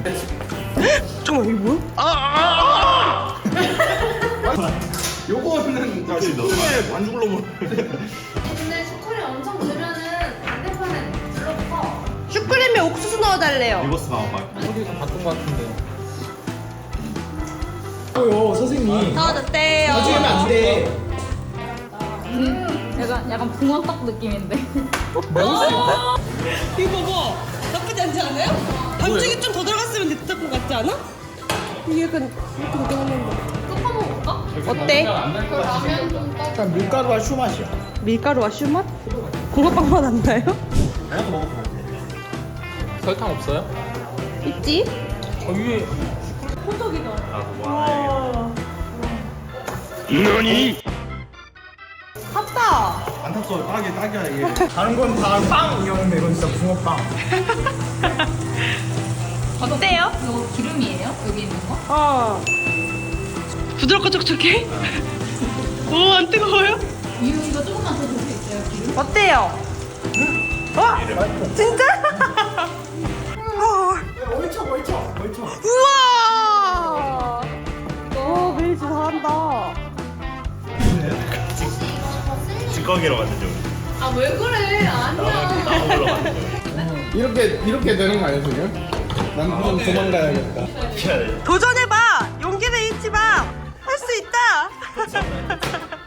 잠깐만 이게 뭐야? 요거는 슈크림에 반죽으로 먹는데. 근데 슈크림 엄청 넣으면은 반대편에 눌러서 슈크림에 옥수수 넣어달래요. 리버스 나와봐. 소리가 바꾼 것 같은데요. 선생님. 넣어줬대요. 나중에는 안 돼. 약간 붕어떡 느낌인데. 이거 봐봐. 나쁘지 않지 않아요? 반죽이 좀 더 들어갔으면 됐을 것 같지 않아? 이게 약간 이렇게 되긴 했는데. 섞어먹을까? 어때? 그 라면 좀 떠. 약간 밀가루와 슈 맛이야. 밀가루와 슈맛? 붕어빵 맛 안 나요? 하나도 먹어보면 설탕 없어요? 있지? 위에 샀다. 안 탔어. 딱이야 이게. 다른 건 다 빵이었는데 이건 진짜 붕어빵. 어때요? 이거 기름이에요? 여기 있는 거? 어. 부드럽고 촉촉해? 오, 안 뜨거워요? 이거 조금만 더 줄 수 있어요, 기름? 어때요? 진짜? 얼쳐. 우와! 오, 메이지 잘한다. 찌꺼기로 만들죠. 아, 왜 그래? 아니야. 나무로 만들죠. 이렇게 되는 거 아니야 지금? 난 그냥 도망가야겠다. 도전해봐! 용기는 잊지 마! 할 수 있다!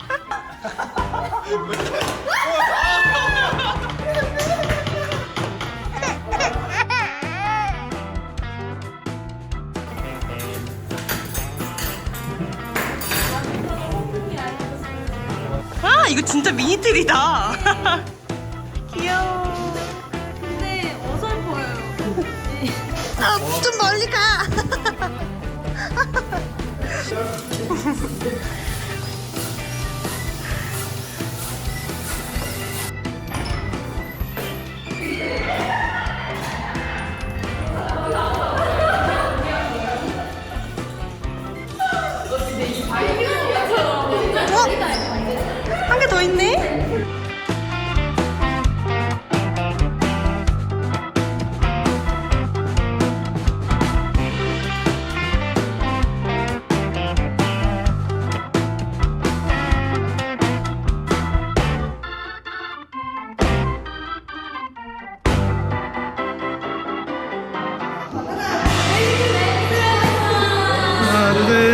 아, 이거 진짜 미니틀이다! 귀여워. 근데 어설퍼요. 아, 좀 멀리 가! 한 개 더 있네? 하나, 둘, 셋.